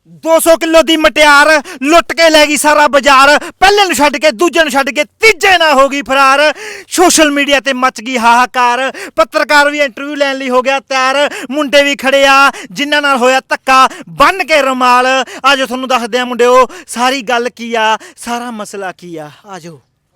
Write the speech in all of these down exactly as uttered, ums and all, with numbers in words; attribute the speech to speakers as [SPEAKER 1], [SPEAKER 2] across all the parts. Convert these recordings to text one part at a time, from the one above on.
[SPEAKER 1] दो सौ किलो दी मटियार लुट के लै गई सारा बाजार पहले नूं छड्ड के दूजे नूं छड्ड के तीजे ना हो गई फरार सोशल मीडिया ते मच गई हाहाकार पत्रकार भी इंटरव्यू लैण लई हो गया तैयार मुंडे भी खड़े आ जिन्हां नाल होया धक्का बन के रुमाल आज तुहानूं दसदे आ मुंडिओ सारी गल की आ सारा मसला की आ आजो